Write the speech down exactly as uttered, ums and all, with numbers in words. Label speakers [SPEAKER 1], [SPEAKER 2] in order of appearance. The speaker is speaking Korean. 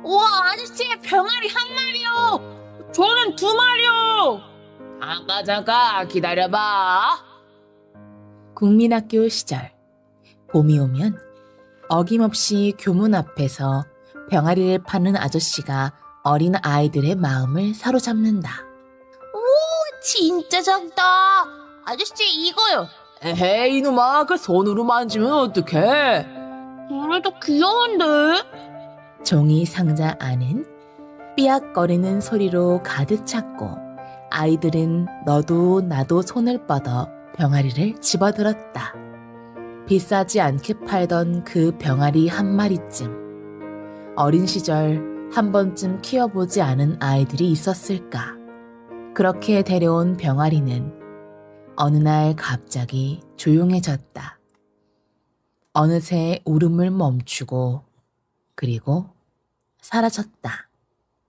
[SPEAKER 1] 우와, 아저씨, 병아리 한 마리요. 저는 두 마리요. 잠깐, 잠깐, 기다려봐. 국민학교 시절, 봄이 오면 어김없이 교문 앞에서 병아리를 파는 아저씨가 어린 아이들의 마음을 사로잡는다. 오, 진짜 작다. 아저씨, 이거요. 에헤이, 이놈아, 그 손으로 만지면 어떡해? 그래도 귀여운데? 종이 상자 안은 삐약거리는 소리로 가득 찼고 아이들은 너도 나도 손을 뻗어 병아리를 집어들었다. 비싸지 않게 팔던 그 병아리 한 마리쯤. 어린 시절 한 번쯤 키워보지 않은 아이들이 있었을까. 그렇게 데려온 병아리는 어느 날 갑자기 조용해졌다. 어느새 울음을 멈추고 그리고 사라졌다.